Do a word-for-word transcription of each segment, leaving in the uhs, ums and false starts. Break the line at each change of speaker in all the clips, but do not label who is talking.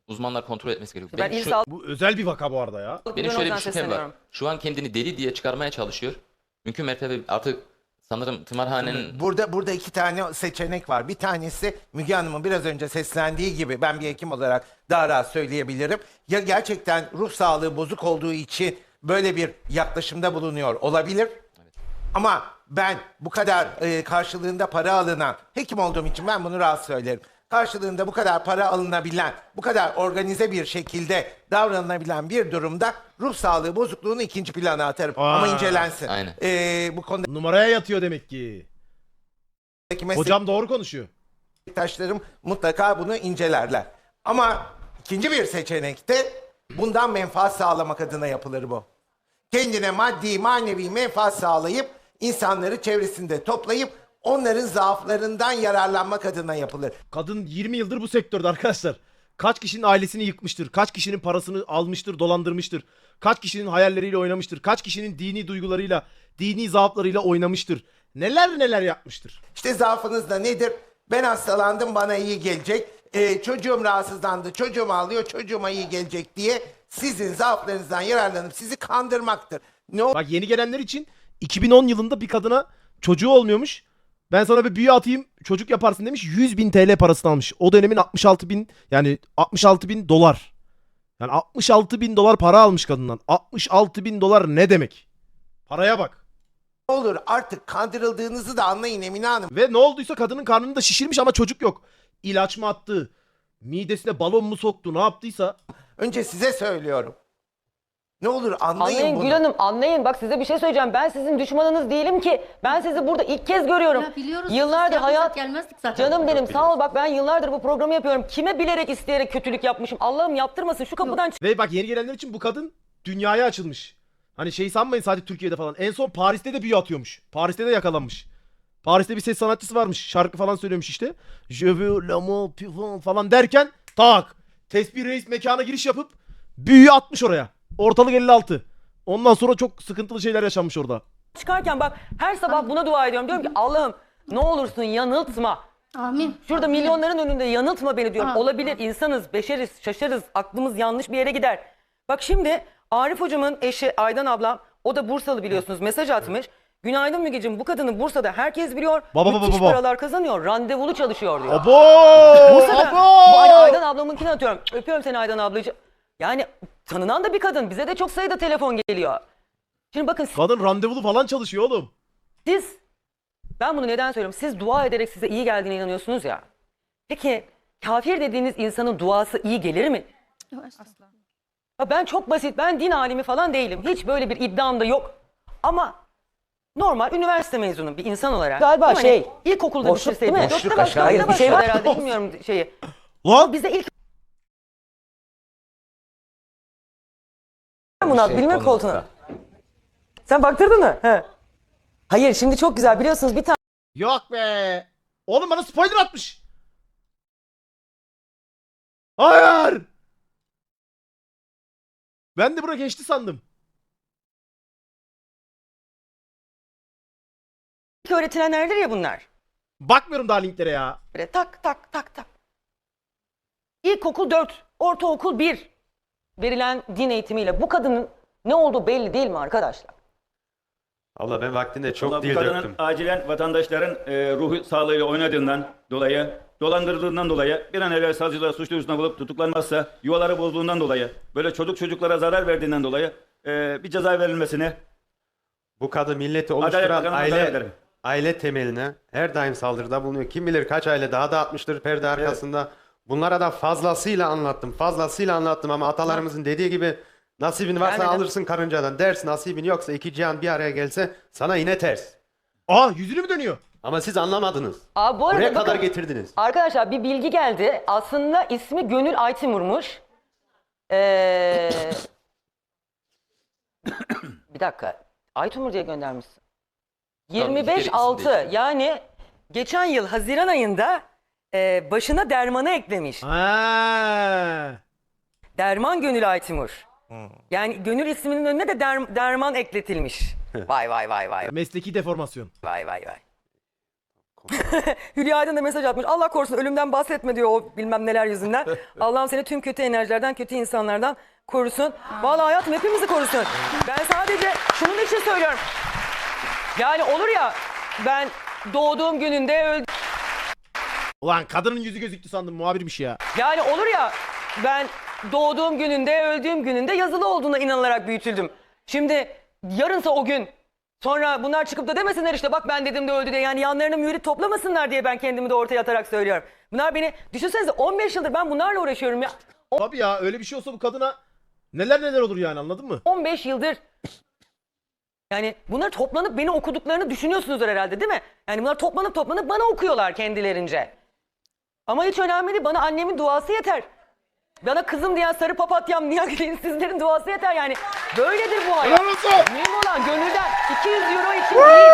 uzmanlar kontrol etmesi gerekiyor.
Ben
Benim,
il
şu,
sağlık
Bu özel bir vaka bu arada ya.
benim şöyle bir
Müdürlüğü'nden
şüphem var.
sesleniyorum.
Şu an kendini deli diye çıkarmaya çalışıyor. Mümkün mertebe artık sanırım tımarhanenin
Burada burada iki tane seçenek var. Bir tanesi Müge Hanım'ın biraz önce seslendiği gibi ben bir hekim olarak daha rahat söyleyebilirim. Ya gerçekten ruh sağlığı bozuk olduğu için böyle bir yaklaşımda bulunuyor olabilir. Ama ben bu kadar e, karşılığında para alınan, hekim olduğum için ben bunu rahat söylerim. Karşılığında bu kadar para alınabilen, bu kadar organize bir şekilde davranılabilen bir durumda ruh sağlığı bozukluğunu ikinci plana atarım.
Aa.
Ama incelensin.
Aynen.
E, bu konudaki
Numaraya yatıyor demek ki. Hocam doğru konuşuyor.
meslektaşlarım mutlaka bunu incelerler. Ama ikinci bir seçenekte bundan menfaat sağlamak adına yapılır bu. Kendine maddi manevi menfaat sağlayıp insanları çevresinde toplayıp onların zaaflarından yararlanmak adına yapılır.
Kadın yirmi yıldır bu sektörde arkadaşlar. Kaç kişinin ailesini yıkmıştır. Kaç kişinin parasını almıştır, dolandırmıştır. Kaç kişinin hayalleriyle oynamıştır. Kaç kişinin dini duygularıyla, dini zaaflarıyla oynamıştır. Neler neler yapmıştır.
İşte zaafınız da nedir? Ben hastalandım, bana iyi gelecek. Ee, çocuğum rahatsızlandı, çocuğum ağlıyor, çocuğuma iyi gelecek diye sizin zaaflarınızdan yararlanıp sizi kandırmaktır. Ne
Bak yeni gelenler için iki bin on yılında bir kadına çocuğu olmuyormuş. Ben sana bir büyü atayım çocuk yaparsın demiş. yüz bin T L parasını almış. O dönemin altmış altı bin yani altmış altı bin dolar. Yani altmış altı bin dolar para almış kadından. altmış altı bin dolar ne demek? Paraya bak.
olur artık kandırıldığınızı da anlayın Emine Hanım.
Ve ne olduysa kadının karnını da şişirmiş ama çocuk yok. İlaç mı attı? Midesine balon mu soktu? Ne yaptıysa.
Önce size söylüyorum. Ne olur anlayın,
Anlayın
bunu.
Gül Hanım, anlayın. Bak size bir şey söyleyeceğim. Ben sizin düşmanınız değilim ki. Ben sizi burada ilk kez görüyorum.
Ya biliyoruz,
Yıllardır
siz
hayat...
yapmasak gelmezdik zaten.
Canım benim sağ ol, bak ben yıllardır bu programı yapıyorum. Kime bilerek isteyerek kötülük yapmışım? Allah'ım yaptırmasın, şu kapıdan
Ve bak yeni gelenler için bu kadın dünyaya açılmış. Hani şey sanmayın sadece Türkiye'de falan. En son Paris'te de büyü atıyormuş. Paris'te de yakalanmış. Paris'te bir ses sanatçısı varmış. Şarkı falan söylüyormuş işte. Je veux l'amour pur falan derken tak. Tesbih Reis mekana giriş yapıp büyüyü atmış oraya. Ortalık elli altı. Ondan sonra çok sıkıntılı şeyler yaşanmış orada.
çıkarken bak her sabah buna dua ediyorum. Diyorum ki Allah'ım ne olursun yanıltma.
Amin.
Şurada
Amin.
milyonların önünde yanıltma beni diyorum.
Ha.
Olabilir, insanız, beşeriz, şaşarız, aklımız yanlış bir yere gider. Bak şimdi Arif hocamın eşi Aydan ablam, o da Bursalı biliyorsunuz, mesaj atmış. Günaydın Mügeciğim, bu kadını Bursa'da herkes biliyor.
Baba, baba,
müthiş
baba.
paralar kazanıyor, randevulu çalışıyor diyor.
Abo!
Bursa'da,
Abo!
bu Ay- Aydan ablamınkini atıyorum. Öpüyorum seni Aydan ablacığım. Yani tanınan da bir kadın, bize de çok sayıda telefon geliyor. Şimdi bakın
Kadın randevulu falan çalışıyor oğlum.
siz, ben bunu neden söylüyorum? Siz dua ederek size iyi geldiğine inanıyorsunuz ya. Peki kafir dediğiniz insanın duası iyi gelir mi?
Asla.
Ya ben çok basit, ben din alimi falan değilim. Hiç böyle bir iddiam da yok. Ama normal üniversite mezunu bir insan olarak. Galiba
Hani
şey, ilkokulda bitirseydi.
değil mi?
Yok
Boşluk
da başka
aşağıya
bir şey
düşüyor.
var herhalde, bilmiyorum şeyi.
Lan
Bize ilk... Murat,
şey
bilmiyorum koltuğuna. Sen baktırdın mı? He. Hayır, şimdi çok güzel biliyorsunuz bir tane
yok be. Oğlum bana spoiler atmış. Hayır. Ben de bura geçti sandım.
öğretilenlerdir ya bunlar.
Bakmıyorum daha linklere ya.
Böyle tak tak tak tak. İlkokul dört, ortaokul bir verilen din eğitimiyle bu kadının ne olduğu belli değil mi arkadaşlar?
Abla ben vaktinde çok
Vallahi bu
dil
kadının
döktüm.
acilen vatandaşların e, ruhu sağlığıyla oynadığından dolayı, dolandırıldığından dolayı bir an evvel savcılar suç duyurusunda bulup tutuklanmazsa, yuvaları bozduğundan dolayı, böyle çocuk çocuklara zarar verdiğinden dolayı e, bir ceza verilmesini
Bu kadın milleti
Adalet
oluşturan
Bakanı'na talep
aile
ederim.
aile temeline her daim saldırıda bulunuyor. Kim bilir kaç aile daha da atmıştır perde arkasında. Bunlara da fazlasıyla anlattım. Fazlasıyla anlattım ama atalarımızın dediği gibi nasibin varsa
Gelmeden.
alırsın karıncadan. Ders nasibin yoksa iki cihan bir araya gelse sana yine ters.
Aa yüzünü mü dönüyor?
Ama siz anlamadınız.
Aa, bu arada
Buraya kadar
bakın,
getirdiniz.
arkadaşlar bir bilgi geldi. Aslında ismi Gönül Aytimur'muş. Ee... bir dakika. Aytimur diye göndermişsin. yirmi beş altı
değişiyor.
yani geçen yıl Haziran ayında e, başına dermanı eklemiş.
Ha.
Derman Gönül Aytimur. Yani Gönül isminin önüne de der- derman ekletilmiş. Vay vay vay vay
Mesleki deformasyon.
vay vay vay. Hülya Aydın da mesaj atmış. Allah korusun ölümden bahsetme diyor o bilmem neler yüzünden. Allah'ım seni tüm kötü enerjilerden, kötü insanlardan korusun. Vallahi hayatım hepimizi korusun. Ben sadece şunun için söylüyorum. Yani olur ya ben doğduğum gününde öldüm.
Ulan kadının yüzü gözüktü sandım, muhabirmiş ya.
Yani olur ya ben doğduğum gününde, öldüğüm gününde yazılı olduğuna inanılarak büyütüldüm. Şimdi yarınsa o gün sonra bunlar çıkıp da demesinler işte bak ben dedim de öldü diye. Yani yanlarına mürit toplamasınlar diye ben kendimi de ortaya atarak söylüyorum. Bunlar beni düşünsenize on beş yıldır ben bunlarla uğraşıyorum ya.
Tabii ya, öyle bir şey olsa bu kadına neler neler olur yani, anladın mı?
on beş yıldır yani bunlar toplanıp beni okuduklarını düşünüyorsunuzdur herhalde değil mi? Yani bunlar toplanıp toplanıp bana okuyorlar kendilerince. Ama hiç önemli değil. Bana annemin duası yeter. Bana kızım diyen sarı papatyam Nihat sizlerin duası yeter yani. Böyledir bu hayat.
Helal olsun.
Mühim olan gönülden iki yüz euro için değil.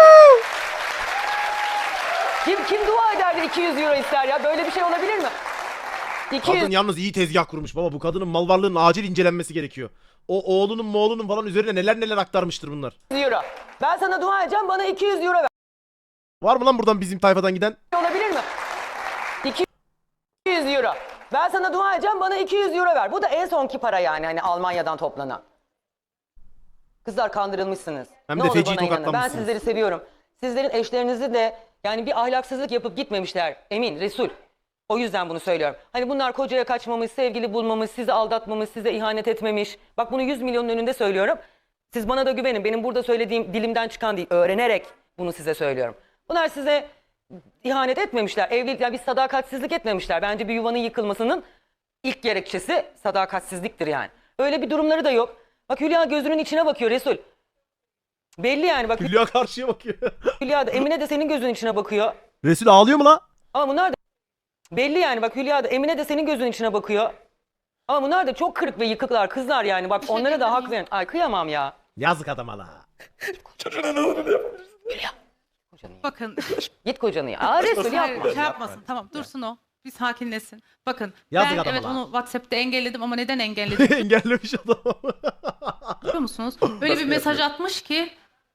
Kim, kim dua eder de iki yüz euro ister ya? Böyle bir şey olabilir mi? iki yüz
Kadın yalnız iyi tezgah kurmuş baba. Bu kadının mal varlığının acil incelenmesi gerekiyor. O oğlunun moğlunun falan üzerine neler neler aktarmıştır bunlar.
euro. Ben sana dua edeceğim bana iki yüz euro ver.
Var mı lan buradan bizim tayfadan giden?
Olabilir mi? iki yüz euro. Ben sana dua edeceğim bana iki yüz euro ver. Bu da en sonki para yani hani Almanya'dan toplanan. Kızlar kandırılmışsınız.
Hem
Ne
de
olur
feci
bana inanın. Ben
tokatlanmışsınız.
sizleri seviyorum. Sizlerin eşlerinizi de yani bir ahlaksızlık yapıp gitmemişler. Emin, Resul. O yüzden bunu söylüyorum. Hani bunlar kocaya kaçmamış, sevgili bulmamış, sizi aldatmamış, size ihanet etmemiş. Bak bunu yüz milyonun önünde söylüyorum. Siz bana da güvenin. Benim burada söylediğim dilimden çıkan değil. Öğrenerek bunu size söylüyorum. Bunlar size ihanet etmemişler. Evlilik, yani bir sadakatsizlik etmemişler. Bence bir yuvanın yıkılmasının ilk gerekçesi sadakatsizliktir yani. Öyle bir durumları da yok. Bak Hülya gözünün içine bakıyor Resul. Belli yani bak
Hülya karşıya bakıyor.
Hülya da Emine de senin gözünün içine bakıyor.
Resul ağlıyor mu la?
Ama bunlar da belli yani bak Hülya da Emine de senin gözünün içine bakıyor. Ama bunlar da çok kırık ve yıkıklar kızlar yani. Bak onlara da hak verin. Ay kıyamam ya.
Yazık adama la.
Bakın.
Git kocanı ya. Aa Resul
Hayır,
yapma.
şey yapmasın. Tamam dursun o. Bir sakinleşsin. Bakın
Yazık
ben
adama
evet
lan.
onu WhatsApp'ta engelledim ama neden engelledim
Engellemiş adamı.
biliyor musunuz? Öyle bir mesaj atmış ki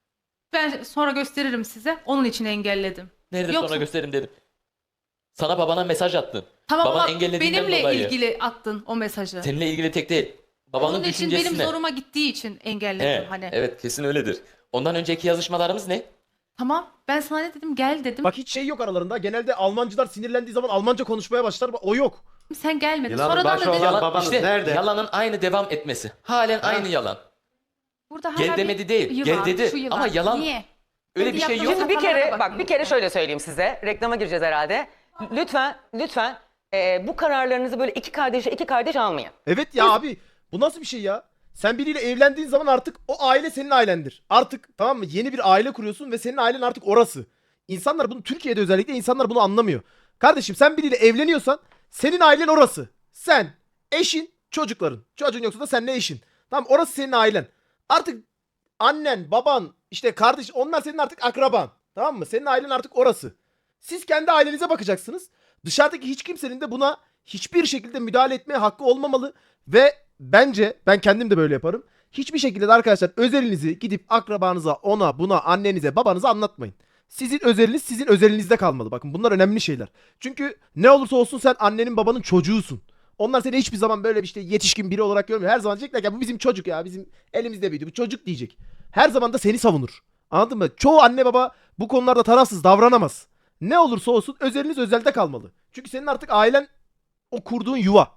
ben sonra gösteririm size. Onun için engelledim.
Nerede
Yoksa-
sonra gösteririm dedim. Sana babana mesaj attın.
Tamam
Baban
ama
engellediğinden
benimle
dolayı.
ilgili attın o mesajı.
Seninle ilgili tek değil. Babanın
Onun için
düşüncesine.
benim zoruma gittiği için engelledim
He,
hani.
Evet kesin öyledir. Ondan önceki yazışmalarımız ne?
Tamam ben sana ne dedim gel dedim.
Bak hiç şey yok aralarında. Genelde Almancılar sinirlendiği zaman Almanca konuşmaya başlar. O yok.
Sen gelmedin.
Yılanın
Sonradan
başı
da dedim.
olan babanız
işte
nerede?
yalanın aynı devam etmesi. Halen aynı yalan.
Burada
Gel
hala bir
demedi değil,
yılan,
gel dedi.
şu yılan.
Ama yalan-
Niye?
Öyle
Kendi
bir şey
yaptığınız
yok.
Şimdi bir
hatalara
kere
da
bak bir kere şöyle söyleyeyim size. Reklama gireceğiz herhalde. Lütfen lütfen e, bu kararlarınızı böyle iki kardeşe iki kardeş almayın.
Evet ya abi. Bu nasıl bir şey ya? Sen biriyle evlendiğin zaman artık o aile senin ailendir. Artık tamam mı? Yeni bir aile kuruyorsun ve senin ailen artık orası. İnsanlar bunu, Türkiye'de özellikle insanlar bunu anlamıyor. Kardeşim sen biriyle evleniyorsan senin ailen orası. Sen, eşin, çocukların. Çocuğun yoksa da seninle eşin. Tamam, orası senin ailen. Artık annen, baban, işte kardeş, onlar senin artık akraban. Tamam mı? Senin ailen artık orası. Siz kendi ailenize bakacaksınız. Dışarıdaki hiç kimsenin de buna hiçbir şekilde müdahale etmeye hakkı olmamalı. Ve bence ben kendim de böyle yaparım. Hiçbir şekilde de arkadaşlar özelinizi gidip akrabanıza, ona, buna, annenize, babanıza anlatmayın. Sizin özeliniz sizin özelinizde kalmalı. Bakın bunlar önemli şeyler. Çünkü ne olursa olsun sen annenin babanın çocuğusun. Onlar seni hiçbir zaman böyle bir işte yetişkin biri olarak görmüyor. Her zaman diyecekler ki bu bizim çocuk ya, bizim elimizde büyüdü, bu çocuk diyecek. Her zaman da seni savunur. Anladın mı? Çoğu anne baba bu konularda tarafsız davranamaz. Ne olursa olsun özeliniz özelde kalmalı. Çünkü senin artık ailen o kurduğun yuva.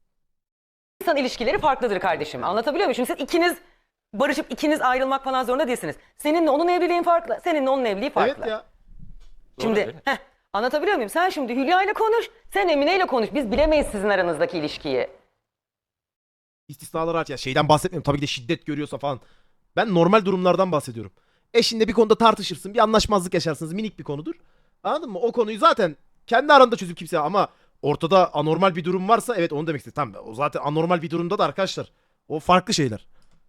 İnsan ilişkileri farklıdır kardeşim. Anlatabiliyor muyum? Şimdi siz ikiniz barışıp ikiniz ayrılmak falan zorunda değilsiniz. Seninle onun evliliğin farklı. Seninle onun evliliği farklı.
Evet ya.
Şimdi
Doğru,
heh, anlatabiliyor muyum? Sen şimdi Hülya ile konuş. Sen Emine ile konuş. Biz bilemeyiz sizin aranızdaki ilişkiyi.
İstisnalar hariç ya, şeyden bahsetmiyorum. Tabii ki de şiddet görüyorsa falan. Ben normal durumlardan bahsediyorum. Eşinle bir konuda tartışırsın, bir anlaşmazlık yaşarsınız, minik bir konudur. Anladın mı? O konuyu zaten kendi aranda çözüp kimse, ama ortada anormal bir durum varsa evet onu demek istedim. Tamam, o zaten anormal bir durumda da arkadaşlar. O farklı şeyler.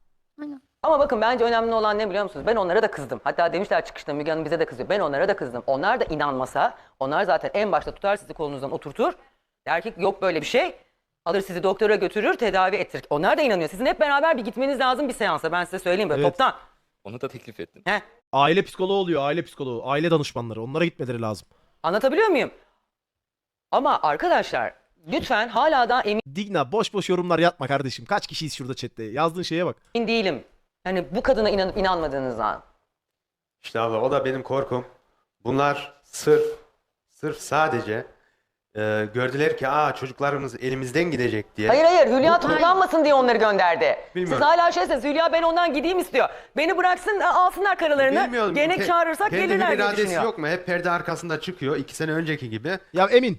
Ama bakın bence önemli olan ne biliyor musunuz? Ben onlara da kızdım. Hatta demişler çıkışta Müge Hanım bize de kızıyor. Ben onlara da kızdım. Onlar da inanmasa, onlar zaten en başta tutar sizi kolunuzdan oturtur. Der ki yok böyle bir şey. Alır sizi doktora götürür, tedavi ettirir. Onlar da inanıyor. Sizin hep beraber bir gitmeniz lazım bir seansa. Ben size söyleyeyim böyle
Evet.
toptan.
Onu da teklif ettim.
Heh.
Aile psikoloğu oluyor, aile psikoloğu, aile danışmanları. Onlara gitmeleri lazım.
Anlatabiliyor muyum? Ama arkadaşlar lütfen hala da emin
Digna boş boş yorumlar yapma kardeşim. Kaç kişiyiz şurada chatte? Yazdığın şeye bak.
değilim. Hani bu kadına inanıp inanmadığınızdan.
İşte abla o da benim korkum. Bunlar sırf sırf sadece e, gördüler ki aa çocuklarımız elimizden gidecek diye.
Hayır hayır Hülya tutuklanmasın diye onları gönderdi.
Bilmiyorum.
Siz hala şeysiniz Hülya ben ondan gideyim istiyor. Beni bıraksın alsınlar karalarını.
Bilmiyorum.
Gene
Ke-
çağırırsak
kendi
gelirler
bir
diye
iradesi
düşünüyor.
yok mu? Hep perde arkasında çıkıyor. iki sene önceki gibi.
Ya Emin.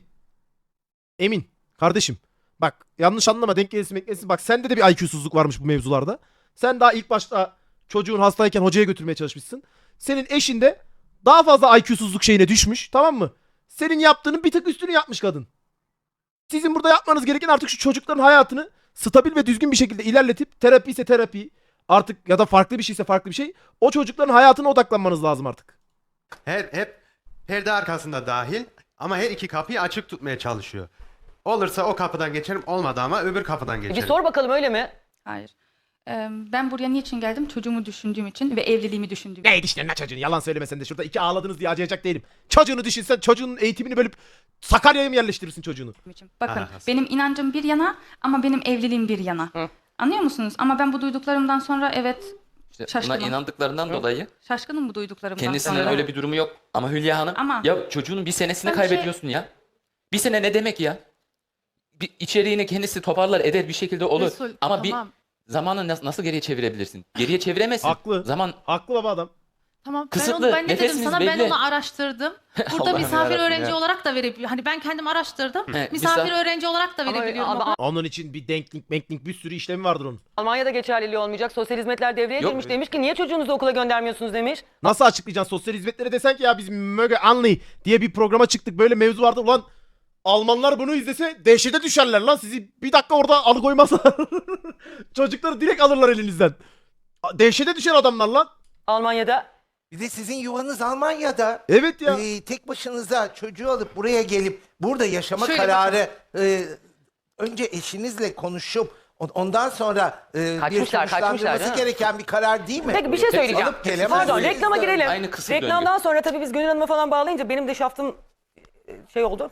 Emin. Kardeşim. Bak yanlış anlama denk gelirsin beklesin. Bak sende de bir I Q'suzluk varmış bu mevzularda. Sen daha ilk başta çocuğun hastayken hocaya götürmeye çalışmışsın. Senin eşin de daha fazla I Q'suzluk şeyine düşmüş. Tamam mı? Senin yaptığının bir tık üstünü yapmış kadın. Sizin burada yapmanız gereken artık şu çocukların hayatını stabil ve düzgün bir şekilde ilerletip terapi ise terapi artık ya da farklı bir şeyse farklı bir şey. O çocukların hayatına odaklanmanız lazım artık.
Her hep perde arkasında dahil ama her iki kapıyı açık tutmaya çalışıyor. Olursa o kapıdan geçerim, olmadı ama öbür kapıdan
Bir
geçerim.
sor bakalım öyle mi?
Hayır. Ee, ben buraya niçin geldim? Çocuğumu düşündüğüm için ve evliliğimi düşündüğüm için.
Ne işte ne çocuğunu yalan söylemesen de şurada iki ağladınız diye acıyacak değilim. Çocuğunu düşünsen çocuğunun eğitimini bölüp Sakarya'ya mı yerleştirirsin çocuğunu?
için. Bakın
Aha.
benim inancım bir yana ama benim evliliğim bir yana.
Hı.
Anlıyor musunuz? Ama ben bu duyduklarımdan sonra evet
İşte buna
Şaşkınım.
inandıklarından dolayı
şaşkınım bu duyduklarımdan
kendisinin
sonra.
öyle bir durumu yok. Ama Hülya Hanım
Ama-
ya çocuğunun bir senesini
Ben bir şey-
kaybediyorsun ya. Bir sene ne demek ya? Bir içeriğini kendisi toparlar eder bir şekilde olur.
Resul,
Ama
tamam.
bir zamanı nas- nasıl geriye çevirebilirsin? Geriye çeviremezsin.
Haklı.
Zaman
Haklı baba adam.
Tamam.
Kısıtlı,
Ben, onu, ben ne dedim
nefesiniz
sana ben
belli.
onu araştırdım. Burada
Allah'ım
misafir
yarabbim
öğrenci
ya.
olarak da verebiliyorum. Hani ben kendim araştırdım.
He,
misafir
misaf-
öğrenci olarak da
Ama-
verebiliyorum.
ama-
ama-
Onun için bir denklik, menklik bir sürü işlemi vardır onun.
Almanya'da geçerliliği olmayacak. Sosyal hizmetler devreye
Yok.
girmiş demiş ki niye çocuğunuzu okula göndermiyorsunuz demiş.
Nasıl açıklayacaksın sosyal hizmetlere desen ki ya biz Möge Anli diye bir programa çıktık böyle mevzu vardı. Ulan Almanlar bunu izlese dehşete düşerler lan sizi bir dakika orada alıkoymazlar. Çocukları direkt alırlar elinizden. Dehşete düşer adamlar lan.
Almanya'da
Bir de sizin yuvanız Almanya'da.
Evet ya.
Ee, tek başınıza çocuğu alıp buraya gelip burada yaşama
Şöyle
kararı e, önce eşinizle konuşup on- ondan sonra e, bir
Kaçmışlar, kaçmışlar,
sonuçlandırması
değil mi?
gereken bir karar değil mi?
Peki bir şey
Tek-
söyleyeceğim.
alıp gelemezsiniz.
Pardon reklama girelim.
Aynı kısır
Reklamdan sonra tabii biz Gönül Hanım'a falan bağlayınca benim de şaftım e, şey oldu.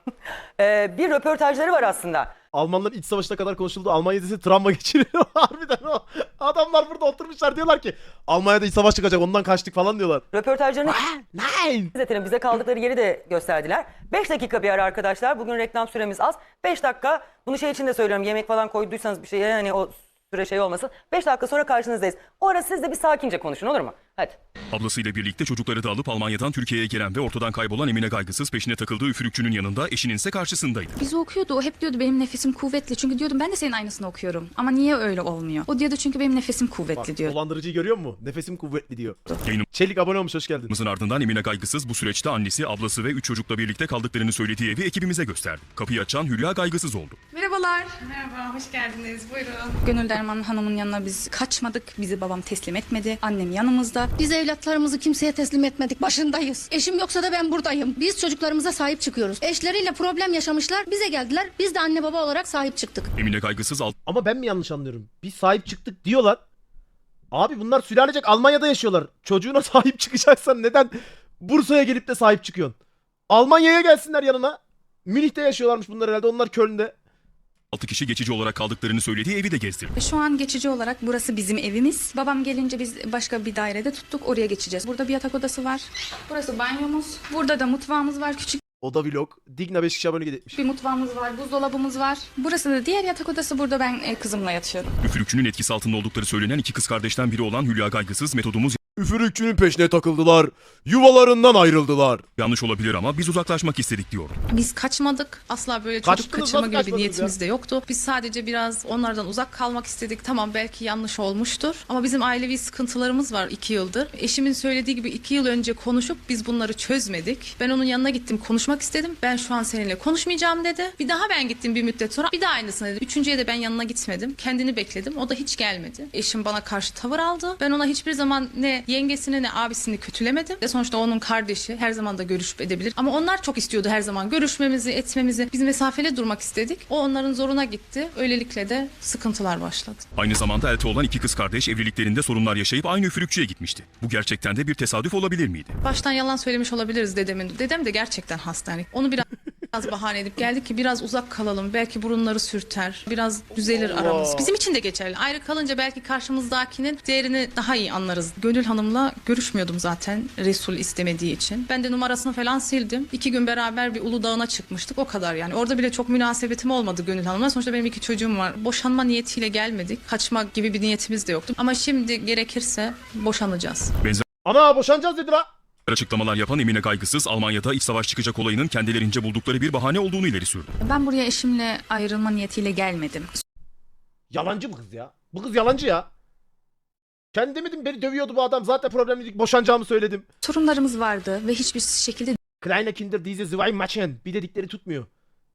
Ee, bir röportajları var aslında.
Almanların iç savaşına kadar konuşuldu. Almanya dizisi travma geçiriyor. Harbiden o. Adamlar burada oturmuşlar diyorlar ki Almanya'da iç savaş çıkacak ondan kaçtık falan diyorlar.
Röportajlarını
Nein.
Zaten bize kaldıkları yeri de gösterdiler. beş dakika bir ara arkadaşlar. Bugün reklam süremiz az. beş dakika. Bunu şey için de söylüyorum. Yemek falan koyduysanız bir şeye hani o süre şey olmasın. beş dakika sonra karşınızdayız. O ara siz de bir sakince konuşun olur mu? Hadi.
Ablasıyla birlikte çocukları da alıp Almanya'dan Türkiye'ye gelen ve ortadan kaybolan Emine Gaygısız peşine takıldığı üfürükçünün yanında eşinin ise karşısındaydı.
Bizi okuyordu. O hep diyordu benim nefesim kuvvetli. Çünkü diyordum ben de senin aynısını okuyorum. Ama niye öyle olmuyor? O diyordu çünkü benim nefesim kuvvetli
Bak,
diyordu.
dolandırıcıyı görüyor musun? Nefesim kuvvetli diyor.
Yayınımızın
Çelik abone olmuş hoş geldin.
ardından Emine Gaygısız bu süreçte annesi, ablası ve üç çocukla birlikte kaldıklarını söylediği evi ekibimize gösterdi. Kapıyı açan Hülya Gaygısız oldu.
Merhabalar.
Merhaba, hoş geldiniz. Buyurun.
Gönül Derman Hanım'ın yanına biz kaçmadık. Bizi babam teslim etmedi. Annem yanımızda.
Biz evlatlarımızı kimseye teslim etmedik. Başındayız. Eşim yoksa da ben buradayım. Biz çocuklarımıza sahip çıkıyoruz. Eşleriyle problem yaşamışlar. Bize geldiler. Biz de anne baba olarak sahip çıktık.
Emine Gaygısız
Ama ben mi yanlış anlıyorum? Biz sahip çıktık diyorlar. Abi bunlar sülalecek Almanya'da yaşıyorlar. Çocuğuna sahip çıkacaksan neden Bursa'ya gelip de sahip çıkıyorsun? Almanya'ya gelsinler yanına. Münih'te yaşıyorlarmış bunlar herhalde. Onlar Köln'de.
altı kişi geçici olarak kaldıklarını söylediği evi de gezdirdi.
Ve şu an geçici olarak burası bizim evimiz. Babam gelince biz başka bir dairede tuttuk. Oraya geçeceğiz. Burada bir yatak odası var. Burası banyomuz. Burada da mutfağımız var. Küçük
Oda vlog. Digna beş kişi abone etmiş.
bir mutfağımız var. Buzdolabımız var. Burası da diğer yatak odası. Burada ben e, kızımla yatıyorum.
Üfürükçünün etkisi altında oldukları söylenen iki kız kardeşten biri olan Hülya Gaygısız metodumuz
Üfürükçünün peşine takıldılar. Yuvalarından ayrıldılar.
yanlış olabilir ama biz uzaklaşmak istedik diyor.
Biz kaçmadık. Asla böyle çocuk
Kaçtınız,
kaçırma
nasıl
gibi bir
kaçmadınız
niyetimiz
ya?
de yoktu. Biz sadece biraz onlardan uzak kalmak istedik. Tamam belki yanlış olmuştur. Ama bizim ailevi sıkıntılarımız var iki yıldır. Eşimin söylediği gibi iki yıl önce konuşup biz bunları çözmedik. Ben onun yanına gittim konuşmak istedim. Ben şu an seninle konuşmayacağım dedi. Bir daha ben gittim bir müddet sonra. Bir daha aynısını dedi. Üçüncüye de ben yanına gitmedim. Kendini bekledim. O da hiç gelmedi. Eşim bana karşı tavır aldı. Ben ona hiçbir zaman ne ne yengesini ne abisini kötülemedim. Ve sonuçta onun kardeşi, her zaman da görüşüp edebilir. Ama onlar çok istiyordu her zaman görüşmemizi, etmemizi. Biz mesafeli durmak istedik. O onların zoruna gitti. Öylelikle de sıkıntılar başladı.
Aynı zamanda elde olan iki kız kardeş evliliklerinde sorunlar yaşayıp aynı üfürükçüye gitmişti. Bu gerçekten de bir tesadüf olabilir miydi?
Baştan yalan söylemiş olabiliriz dedemin. Dedem de gerçekten hasta. Yani onu biraz biraz bahane edip geldik ki biraz uzak kalalım. Belki burunları sürter. Biraz düzelir aramız. Bizim için de geçerli. Ayrı kalınca belki karşımızdakinin değerini daha iyi anlarız. Gönül Hanım'la görüşmüyordum zaten Resul istemediği için. Ben de numarasını falan sildim. İki gün beraber bir Uludağ'ına çıkmıştık. O kadar yani. Orada bile çok münasebetim olmadı Gönül Hanım'la. Sonuçta benim iki çocuğum var. Boşanma niyetiyle gelmedik. Kaçmak gibi bir niyetimiz de yoktu. Ama şimdi gerekirse boşanacağız.
Benzer
Ana boşanacağız dedi la.
açıklamalar yapan Emine Gaygısız, Almanya'da iç savaş çıkacak olayının kendilerince buldukları bir bahane olduğunu ileri sürdü.
Ben buraya eşimle ayrılma niyetiyle gelmedim.
Yalancı bu kız ya. Bu kız yalancı ya. Kendi demedim beni dövüyordu bu adam. Zaten problemliydik. Boşanacağımı söyledim.
Sorunlarımız vardı ve hiçbir şekilde
Kleine Kinder diese zwei Machen. Bir dedikleri tutmuyor.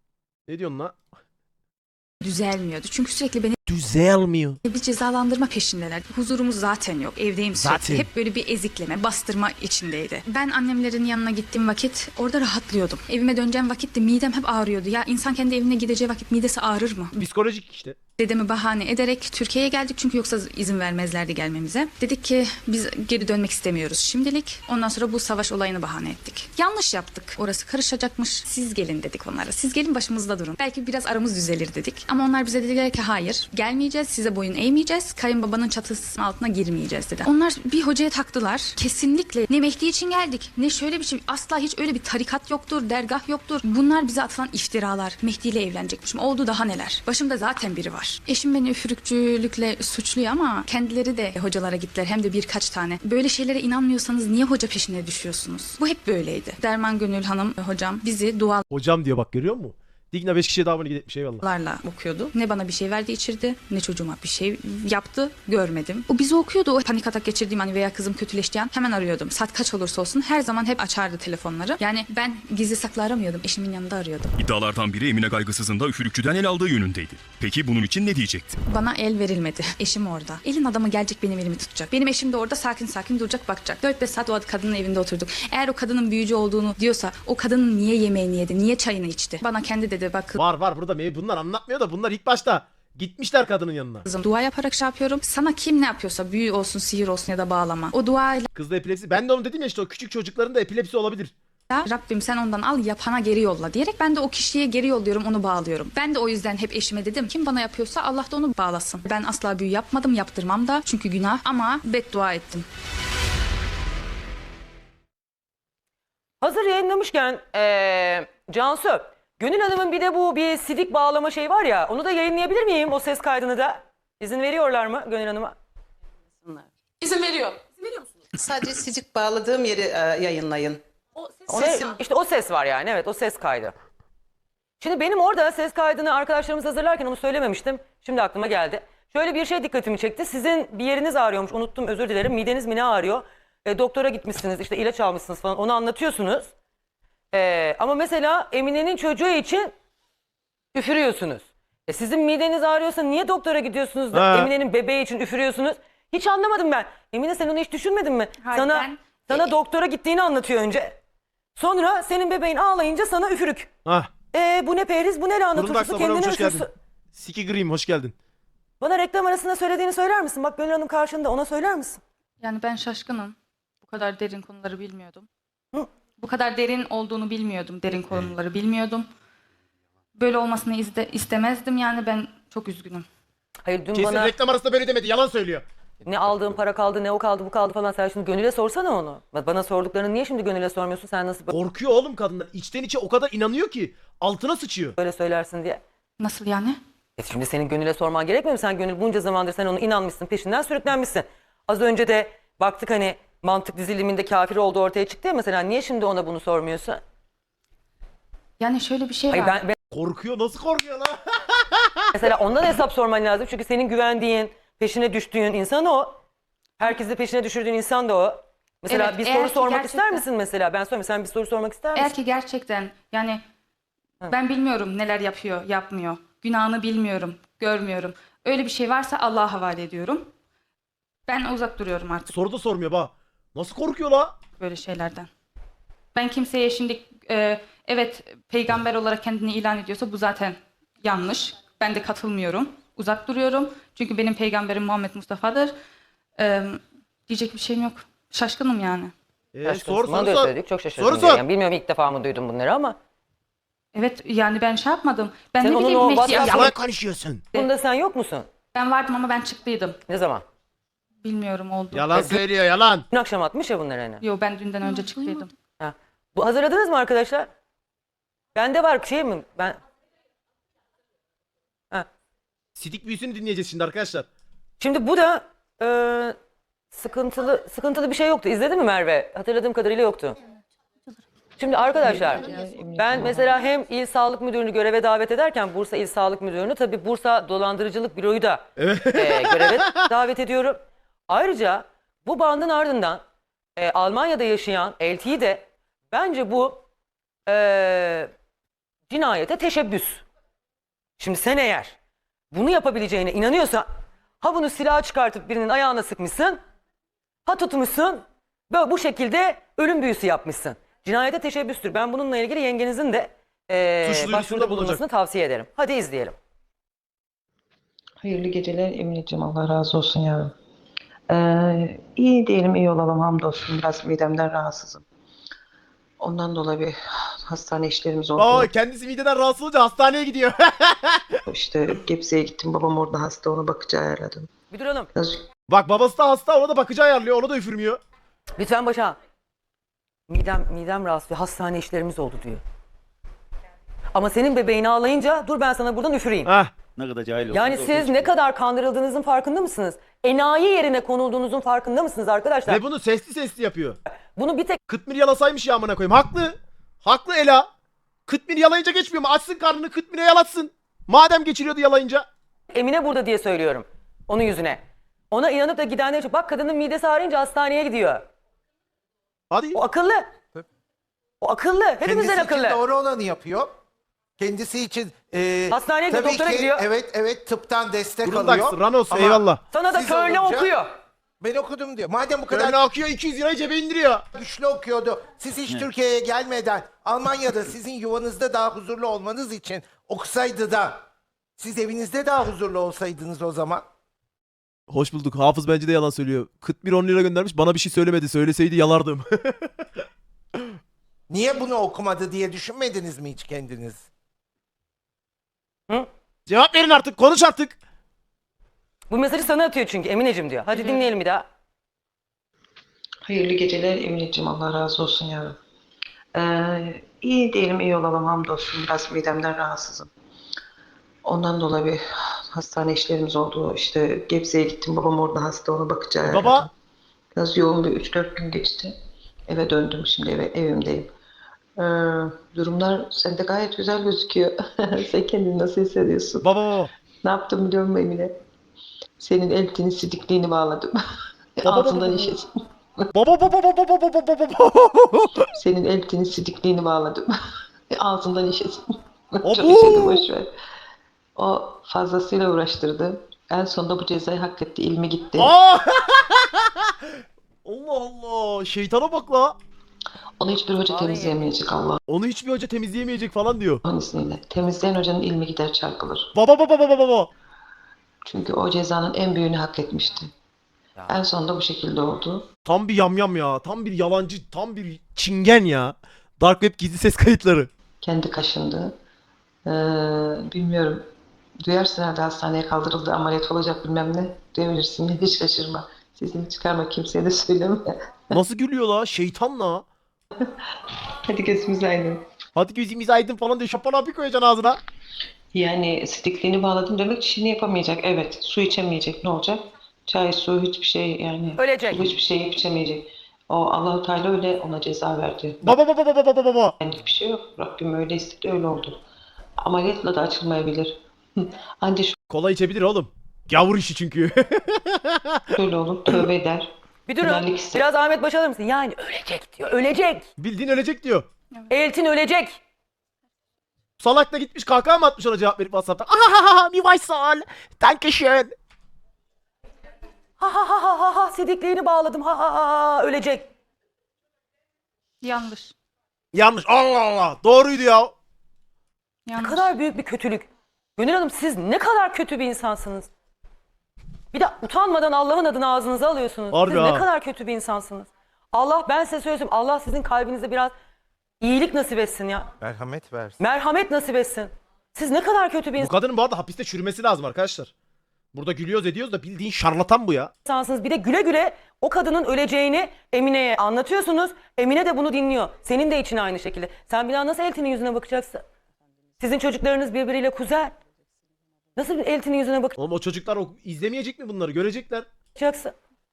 Ne diyorsun la?
düzelmiyordu. Çünkü sürekli beni
Düzelmiyor.
bir cezalandırma peşindeler. Huzurumuz zaten yok. Evdeyim sürekli.
Zaten.
Hep böyle bir ezikleme, bastırma içindeydi. Ben annemlerin yanına gittiğim vakit orada rahatlıyordum. Evime döneceğim vakit de midem hep ağrıyordu. Ya insan kendi evine gideceği vakit midesi ağrır mı?
Psikolojik işte.
Dedemi bahane ederek Türkiye'ye geldik çünkü yoksa izin vermezlerdi gelmemize. Dedik ki biz geri dönmek istemiyoruz şimdilik. Ondan sonra bu savaş olayını bahane ettik. Yanlış yaptık. Orası karışacakmış. Siz gelin dedik onlara. Siz gelin başımızda durun. Belki biraz aramız düzelir dedik. Ama onlar bize dediler ki hayır gelmeyeceğiz. Size boyun eğmeyeceğiz. Kayınbabanın çatısının altına girmeyeceğiz dedi. Onlar bir hocaya taktılar. Kesinlikle ne Mehdi için geldik ne şöyle bir şey. Asla hiç öyle bir tarikat yoktur, dergah yoktur. Bunlar bize atılan iftiralar. Mehdi ile evlenecekmişim. Oldu daha neler. Başımda zaten biri var. Eşim beni üfürükçülükle suçluyor ama kendileri de hocalara gittiler hem de birkaç tane. Böyle şeylere inanmıyorsanız niye hoca peşine düşüyorsunuz? Bu hep böyleydi. Derman Gönül Hanım hocam bizi dualarla
Hocam diyor bak görüyor musun? Digna beş kişiye daha abone gitmiş eyvallah.
okuyordu. Ne bana bir şey verdi içirdi ne çocuğuma bir şey yaptı görmedim. O bizi okuyordu. O panik atak geçirdiğim hani veya kızım kötüleştiği an hemen arıyordum. Saat kaç olursa olsun her zaman hep açardı telefonları. Yani ben gizli saklı aramıyordum. Eşimin yanında arıyordum.
İddialardan biri Emine Gaygısız'ın da üfürükçüden el aldığı yönündeydi. Peki bunun için ne diyecekti?
Bana el verilmedi. Eşim orada. Elin adamı gelecek benim elimi tutacak. Benim eşim de orada sakin sakin duracak bakacak. dört beş saat o kadının evinde oturduk. Eğer o kadının büyücü olduğunu diyorsa o kadının niye yemeğini yedi? Niye çayını içti? Bana kendi dedi bak
Var var burada me- bunlar anlatmıyor da bunlar ilk başta gitmişler kadının yanına.
kızım dua yaparak şey yapıyorum. Sana kim ne yapıyorsa büyü olsun sihir olsun ya da bağlama. O duayla
Kızda epilepsi. Ben de onu dedim ya işte o küçük çocukların da epilepsi olabilir.
Rabbim sen ondan al yapana geri yolla diyerek ben de o kişiye geri yolluyorum onu bağlıyorum. Ben de o yüzden hep eşime dedim kim bana yapıyorsa Allah da onu bağlasın. Ben asla büyü yapmadım yaptırmam da çünkü günah ama beddua ettim.
Hazır yayınlamışken ee, Cansu, Gönül Hanım'ın bir de bu bir sidik bağlama şey var ya, onu da yayınlayabilir miyim o ses kaydını da? İzin veriyorlar mı Gönül Hanım'a?
İzin veriyor. İzin veriyor musunuz? Sadece sicik bağladığım yeri e, yayınlayın. O
Ona, işte o ses var yani, evet o ses kaydı. Şimdi benim orada ses kaydını arkadaşlarımız hazırlarken onu söylememiştim. Şimdi aklıma geldi. Şöyle bir şey dikkatimi çekti. Sizin bir yeriniz ağrıyormuş, unuttum özür dilerim. Mideniz mi ne ağrıyor? E, doktora gitmişsiniz, işte ilaç almışsınız falan, onu anlatıyorsunuz. E, ama mesela Emine'nin çocuğu için üfürüyorsunuz. E, sizin mideniz ağrıyorsa niye doktora gidiyorsunuz da
Ha.
Emine'nin bebeği için üfürüyorsunuz? Hiç anlamadım ben. Emine sen onu hiç düşünmedin mi?
Hayır,
sana
ben-
sana
E-
doktora gittiğini anlatıyor önce. Sonra senin bebeğin ağlayınca sana üfürük.
Hah.
E bu ne periz, bu ne lahana
Fırındak
turşusu,
Sabah'a
kendine
hoş geldin.
üfürsün.
Siki Green hoş geldin.
Bana reklam arasında söylediğini söyler misin? Bak Gönül Hanım karşında, ona söyler misin?
Yani ben şaşkınım. Bu kadar derin konuları bilmiyordum.
Hı.
Bu kadar derin olduğunu bilmiyordum. Derin konuları bilmiyordum. Böyle olmasını iste- istemezdim yani ben çok üzgünüm.
Hayır dün
Kesin
bana
reklam arasında böyle demedi yalan söylüyor.
ne aldığın para kaldı, ne o kaldı, bu kaldı falan. Sen şimdi Gönül'e sorsana onu. Bana sorduklarını niye şimdi Gönül'e sormuyorsun? Sen nasıl
Korkuyor oğlum kadınlar. İçten içe o kadar inanıyor ki altına sıçıyor.
böyle söylersin diye.
Nasıl yani?
E şimdi senin Gönül'e sorman gerekmiyor mu? Sen Gönül bunca zamandır sen onu inanmışsın, peşinden sürüklenmişsin. Az önce de baktık hani mantık diziliminde kafir olduğu ortaya çıktı ya mesela. Niye şimdi ona bunu sormuyorsun?
Yani şöyle bir şey
Hayır
var.
ben, ben
Korkuyor nasıl korkuyor lan?
mesela ondan hesap sorman lazım. Çünkü senin güvendiğin, peşine düştüğün insan o. Herkesi peşine düşürdüğün insan da o. Mesela
Evet,
bir
eğer
soru
ki
sormak
gerçekten-
ister misin mesela? Ben sorayım. Sen bir soru sormak ister misin?
Eğer ki gerçekten yani ben bilmiyorum neler yapıyor, yapmıyor. Günahını bilmiyorum, görmüyorum. Öyle bir şey varsa Allah'a havale ediyorum. Ben uzak duruyorum artık.
Soru da sormuyor bak. Nasıl korkuyor la?
böyle şeylerden. Ben kimseye şimdi e, evet peygamber olarak kendini ilan ediyorsa bu zaten yanlış. Ben de katılmıyorum. Uzak duruyorum. Çünkü benim peygamberim Muhammed Mustafa'dır. E, diyecek bir şeyim yok. Şaşkınım yani.
Ee,
Şaşkınsın.
sor
Bana
sor
da
sor.
söyledik. Çok şaşırdım.
Soru
diye.
sor.
Yani bilmiyorum, ilk defa mı duydum bunları ama.
Evet yani ben şey yapmadım. Ben
Sen
ne
onun
bileyim
o
Mehdi
WhatsApp-
ya-
Yalan konuşuyorsun.
Bunda sen yok musun?
Ben vardım ama ben çıktıydım.
Ne zaman?
Bilmiyorum oldu.
Yalan söylüyor yalan.
Dün akşam atmış ya bunları hani.
Yo ben dünden önce çıktıydım.
Ha. Bu hazırladınız mı arkadaşlar? Bende var şey mi? Ben ha.
Sidik büyüsünü dinleyeceğiz şimdi arkadaşlar.
Şimdi bu da e, sıkıntılı sıkıntılı bir şey yoktu. İzledin mi Merve? Hatırladığım kadarıyla yoktu. Şimdi arkadaşlar ben mesela hem İl Sağlık Müdürünü göreve davet ederken Bursa İl Sağlık Müdürünü, tabii Bursa Dolandırıcılık Büroyu da
Evet.
e, göreve davet ediyorum. Ayrıca bu bandın ardından e, Almanya'da yaşayan Elti'yi de bence bu e, cinayete teşebbüs. Şimdi sen eğer bunu yapabileceğine inanıyorsan, ha bunu silah çıkartıp birinin ayağına sıkmışsın, ha tutmuşsun, böyle bu şekilde ölüm büyüsü yapmışsın. Cinayete teşebbüstür. Ben bununla ilgili yengenizin de e,
Suç duyurusunda
başvuruda
bulunacak.
bulunmasını tavsiye ederim. Hadi izleyelim.
Hayırlı geceler Emineciğim, Allah razı olsun yavrum. Ee, iyi diyelim, iyi olalım hamdolsun. Biraz midemden rahatsızım. Ondan dolayı bir hastane işlerimiz oldu.
Aa, kendisi mideden rahatsız olunca hastaneye gidiyor.
İşte Gebze'ye gittim, babam orada hasta, ona bakıcı ayarladım.
Bir duralım.
Biraz
Bak babası da hasta, ona da bakıcı ayarlıyor, ona da üfürmüyor.
Lütfen başa. Midem, midem rahatsız, hastane işlerimiz oldu diyor. Ama senin bebeğini ağlayınca dur ben sana buradan üfüreyim.
Heh.
Ne kadar cahil
Yani
olduğunuz
siz
ortaya
ne kadar kandırıldığınızın farkında mısınız? Enayi yerine konulduğunuzun farkında mısınız arkadaşlar?
Ve bunu sesli sesli yapıyor.
Bunu bir tek
Kıtmir yalasaymış ya amına koyayım. Haklı. Haklı Ela. Kıtmir yalayınca geçmiyor mu? Açsın karnını, Kıtmir'e yalatsın. Madem geçiriyordu yalayınca.
Emine burada diye söylüyorum. Onun yüzüne. Ona inanıp da gidenler için, bak kadının midesi ağrıyınca hastaneye gidiyor.
Hadi.
O akıllı. O akıllı. Hepimizden
Kendisi için
akıllı.
doğru olanı yapıyor. Kendisi için e,
Hastaneye gidiyor,
tabii
doktora
ki,
gidiyor.
Evet evet tıptan destek
Grundax,
alıyor.
Ranos,
Ama
eyvallah.
Sana da
siz
körle
olunca-
okuyor.
Ben okudum diyor. Madem bu kadar
Böyle akıyor, iki yüz lirayı cebe indiriyor.
güçlü okuyordu. Siz hiç Türkiye'ye gelmeden Almanya'da sizin yuvanızda daha huzurlu olmanız için okusaydı da siz evinizde daha huzurlu olsaydınız o zaman.
Hoş bulduk. Hafız bence de yalan söylüyor. Kıtmir on lira göndermiş. Bana bir şey söylemedi. Söyleseydi yalardım.
Niye bunu okumadı diye düşünmediniz mi hiç kendiniz?
Hı?
Cevap verin artık. Konuş artık.
Bu mesajı sana atıyor çünkü Emineciğim diyor. Hadi dinleyelim bir daha.
hayırlı geceler Emineciğim, Allah razı olsun yavrum. Ee, iyi diyelim, iyi olalım hamdolsun. Biraz midemden rahatsızım. Ondan dolayı bir hastane işlerimiz oldu. İşte Gebze'ye gittim, babam orada hasta, ona bakıcı ayarladım.
Baba.
Biraz yoğun bir üç dört gün geçti. Eve döndüm, şimdi eve, evimdeyim. Ee, durumlar sende gayet güzel gözüküyor. Sen kendini nasıl hissediyorsun?
Baba baba.
Ne yaptım biliyor musun Emine? Senin eltini sidikliğini bağladım.
Baba,
Altından
baba.
işesin.
Baba baba baba baba baba baba baba.
Senin eltini sidikliğini bağladım. Ağzından işesin.
Abo!
Çok işedi, boş ver. O fazlasıyla uğraştırdı. En sonunda bu cezayı hak etti. İlmi gitti.
Aa! Allah Allah. Şeytana bak la.
Onu hiçbir hoca
Vallahi
temizleyemeyecek Allah'ın
Onu hiçbir hoca temizleyemeyecek falan diyor.
izniyle. Temizleyen hocanın ilmi gider, çarpılır.
Baba baba baba baba.
Çünkü o cezanın en büyüğünü hak etmişti. En sonunda bu şekilde oldu.
Tam bir yamyam ya. Tam bir yalancı. Tam bir çingen ya. Dark Web gizli ses kayıtları.
Kendi kaşındı. Ee, bilmiyorum. Duyarsın herhalde hastaneye kaldırıldı, ameliyat olacak bilmem ne. Duyabilirsin, hiç şaşırma. Sesini çıkarma, kimseye de söyleme.
Nasıl gülüyor la? Şeytan la.
Hadi gözümüz aydın.
Hadi gözümüz aydın falan diyor. Şapan abi koyacaksın ağzına.
Yani sidikliğini bağladım demek işini yapamayacak. Evet, su içemeyecek, ne olacak? Çay, su, hiçbir şey yani.
Ölecek.
Su, hiçbir şey içemeyecek. O Allah-u Teala öyle ona ceza verdi.
Baba baba baba baba baba.
Benlik bir şey yok. Rabbim öyle istedi, öyle oldu. Ameliyatla da açılmayabilir. Anca
Kola içebilir oğlum. Gavur işi çünkü.
şöyle olur, tövbe eder.
Bir durun.
Helallik ister.
Biraz Ahmet Baş alır mısın? Yani ölecek diyor. Ölecek.
Bildiğin ölecek diyor.
Eltin ölecek.
Salak da gitmiş kahkaha mı atmış ona cevap verip WhatsApp'tan. Ahahaha mi Vaysal. Dankeschön.
Ha ha ha ha ha ha sidikliğini bağladım ha ha ha ha ölecek.
Yanlış.
Yanlış. Allah Allah. Doğruydu ya.
Ne
Yanlış.
kadar büyük bir kötülük. Gönül Hanım siz ne kadar kötü bir insansınız. Bir de utanmadan Allah'ın adını ağzınıza alıyorsunuz.
Harbi
Siz
ha.
ne kadar kötü bir insansınız. Allah ben size söyleyeyim Allah sizin kalbinize biraz iyilik nasip etsin ya.
Merhamet versin.
Merhamet nasip etsin. Siz ne kadar kötü bir
Bu kadının bu arada hapiste çürümesi lazım arkadaşlar. Burada gülüyoruz ediyoruz da bildiğin şarlatan bu ya.
insansınız. Bir de güle güle o kadının öleceğini Emine'ye anlatıyorsunuz. Emine de bunu dinliyor. Senin de için aynı şekilde. Sen bir daha nasıl Elti'nin yüzüne bakacaksın? Sizin çocuklarınız birbiriyle kuzen. Nasıl bir Elti'nin yüzüne
Oğlum o çocuklar o, izlemeyecek mi bunları? Görecekler.
bakacaksın?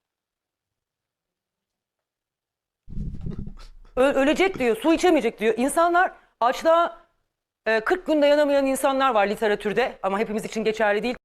Ö- ölecek diyor, su içemeyecek diyor. İnsanlar açlığa e, kırk gün dayanamayan insanlar var literatürde ama hepimiz için geçerli değil.